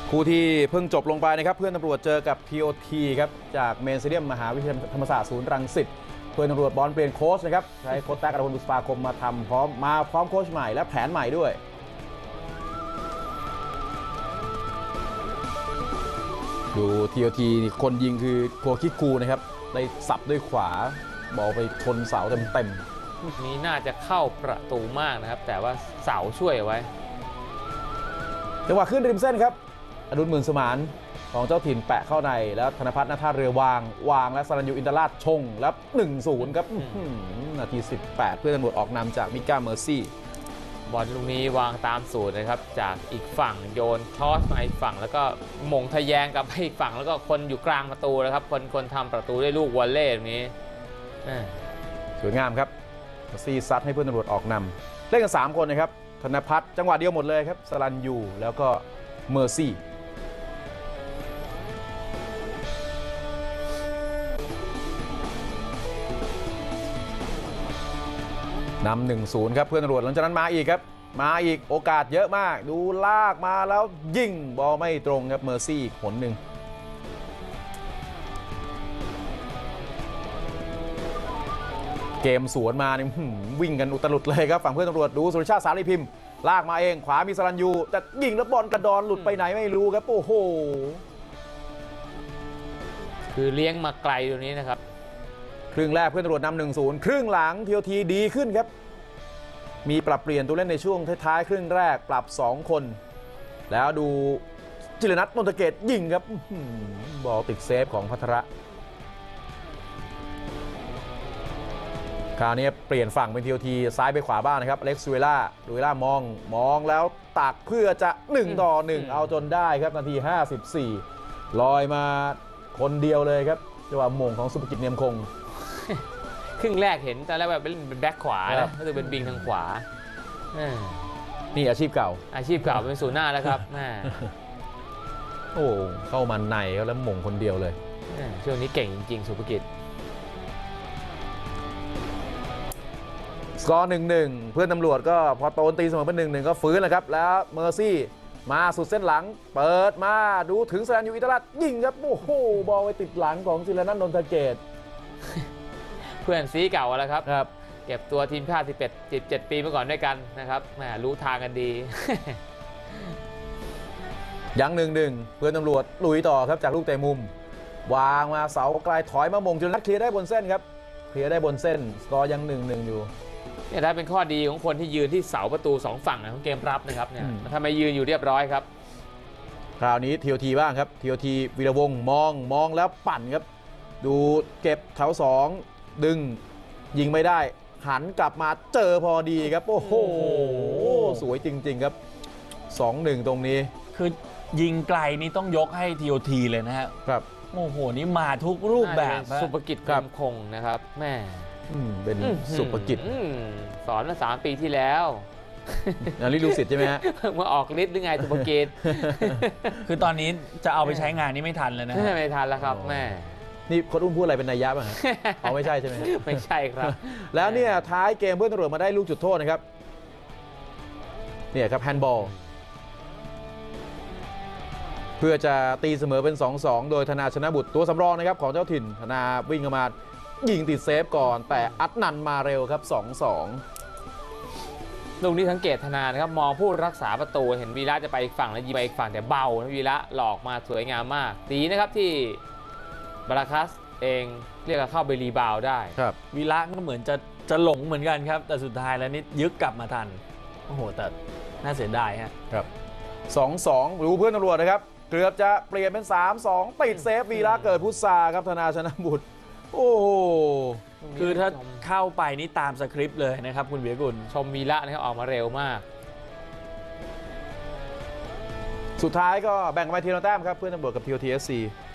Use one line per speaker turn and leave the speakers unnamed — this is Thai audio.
คู่ที่เพิ่งจบลงไปนะครับเพื่อนตำรวจเจอกับ TOT ครับจากเมนสเตเดียมมหาวิทยาลัยธรรมศาสตร์ศูนย์รังสิตเพื่อนตำรวจบอลเปลี่ยนโค้ชนะครับใช้โค้ชแท็กอรพลบุษปาคมมาทำพร้อมโค้ชใหม่และแผนใหม่ด้วยดู TOT คนยิงคือโคคิคูนะครับได้สับด้วยขวาบอลไปชนเสาเต็ม
ๆนี้น่าจะเข้าประตูมากนะครับแต่ว่าเสาช่วยเอาไว้
จังหวะขึ้นริมเส้นครับอดุลหมื่นสมานของเจ้าถิ่นแปะเข้าในแล้วธนพัฒน์ณท่าเรือวางและสรัญยูอินทราชชงแล้ว 1-0 ครับนาที 18 เพื่อนตำรวจออกนำจากมิก้าเมอร์ซี่
บอลลูกนี้วางตามสูตรนะครับจากอีกฝั่งโยนทอสมาอีกฝั่งแล้วก็หม่งทะแยงกับอีกฝั่งแล้วก็คนอยู่กลางประตูนะครับคนทำประตูได้ลูกวอลเล่ตรงนี้
สวยงามครับเมอร์ซี่ซัดให้เพื่อนตำรวจออกนำเล่นกัน3คนนะครับธนพัฒน์จังหวะเดียวหมดเลยครับสรัญยูแล้วก็เมอร์ซี่นำ 1-0 ครับเพื่อนตำรวจหลังจากนั้นมาอีกครับมาอีกโอกาสเยอะมากดูลากมาแล้วยิงบอลไม่ตรงครับเมอร์ซี่อีกผลหนึ่งเกมสวนมาเนี่ยวิ่งกันอุตลุดเลยครับฝั่งเพื่อนตำรวจดูสุรชาติสารีพิมพ์ลากมาเองขวามีสรัญยูจะยิงแล้วบอลกระดอนหลุดไปไหนไม่รู้ครับโอ้โห
คือเลี้ยงมาไกลตรงนี้นะครับ
ครึ่งแรกเพื่อนตำรวจนำ 1-0 ครึ่งหลังTOTดีขึ้นครับมีปรับเปลี่ยนตัวเล่นในช่วงท้ายๆครึ่งแรกปรับ2คนแล้วดูจิรนัทนนทเกตยิงครับบอลติดเซฟของภัทระคราวนี้เปลี่ยนฝั่งเป็นTOTซ้ายไปขวาบ้างนะครับเล็กซูเวล่ามองแล้วตักเพื่อจะ1-1เอาจนได้ครับนาที54ลอยมาคนเดียวเลยครับจังหวะมงของสุภกิจเนียมคง
ครึ่งแรกเห็นตอนแรกแบบเป็นแบ็คขวานะก็คือเป็นบิงทางขวา
นี่อาชีพเก่า
เป็นศูนย์หน้าแล้วครับ
โอ้เข้ามันในแล้วมงคนเดียวเลย
ช่วงนี้เก่งจริงๆสุภกิจ
สกอร์ 1-1 เพื่อนตำรวจก็พอโตนตีเสมอเป็น 1-1 ก็ฟื้นแล้วครับแล้วเมอร์ซี่มาสุดเส้นหลังเปิดมาดูถึงสรัญยูอินทราชยิงครับโอ้โหบอลไปติดหลังของจิรนัทนนทเกต
เพื่อนซีเก่าแล้วครับเก็บตัวทีมชาติ17 ปีเมื่อก่อนด้วยกันนะครับแหมรู้ทางกันดี
ยัง 1-1 เพื่อนตำรวจลุยต่อครับจากลูกเตะมุมวางมาเสาไกลถอยมามงจิรนัทเคลียร์ได้บนเส้นครับเคลียร์ได้บนเส้นสกอร์ยัง 1-1 อยู่
เนี่ยถ้าเป็นข้อดีของคนที่ยืนที่เสาประตู2ฝั่งของเกมรับนะครับเนี่ยถ้าไม่ยืนอยู่เรียบร้อยครับ
คราวนี้TOTบ้างครับTOTวีรวงศ์มองแล้วปั่นครับดูเก็บแถว2ดึงยิงไม่ได้หันกลับมาเจอพอดีครับโอ้โหสวยจริงๆครับ 2-1 ตรงนี้
คือยิงไกลนี่ต้องยกให้TOTเลยนะครับโอ้โหนี่มาทุกรูปแบบ
สุภกิจคงนะครับแม่
เป็นสุภกิจ
สอนมา3 ปีที่แล้ว
นาริลูสิตใช่ไหมฮะ
มาออกฤทธิ์หรือไงสุภกิจ
คือตอนนี้จะเอาไปใช้งานนี่ไม่ทันเลยนะ
ไม่ทันแล้วครับแม่
นี่โค้ชอุ้มพูดอะไรเป็นนัยยะบ้างฮะเอาไม่ใช่ใช่ไหม
ไม่ใช่ครับ
แล้วเนี่ยท้ายเกมเพื่อนตำรวจมาได้ลูกจุดโทษนะครับเนี่ยครับแฮนด์บอลเพื่อจะตีเสมอเป็น 2-2 โดยธนาชนะบุตรตัวสำรองนะครับของเจ้าถิ่นธนาวิ่งเข้ามายิงติดเซฟก่อนแต่อัดนันมาเร็วครับ 2-2
ลูกนี้สังเกตธนานะครับมองผู้รักษาประตูเห็นวีระจะไปอีกฝั่งแล้วยิงไปอีกฝั่งแต่เบาวีระหลอกมาสวยงามมากดีนะครับที่บาราคัสเองเรียกว่าเข้าไปรีบาวได้
ครับ
วีระก็เหมือนจะหลงเหมือนกันครับแต่สุดท้ายแล้วนี่ยึกกลับมาทันโอ้โหแต่น่าเสียดาย
ครับ 2-2 รู้เพื่อนตำรวจนะครับเกือบจะเปลี่ยนเป็น 3-2 ติดเซฟวีระเกิดพุทธาครับธนาชนะบุตรโอ้โห
คือถ้าเข้าไปนี่ตามสคริปต์เลยนะครับคุณเบียกุล
ชมวีระนะครับออกมาเร็วมาก
สุดท้ายก็แบ่งกันไปทีละแต้มครับเพื่อนตำรวจกับTOT FC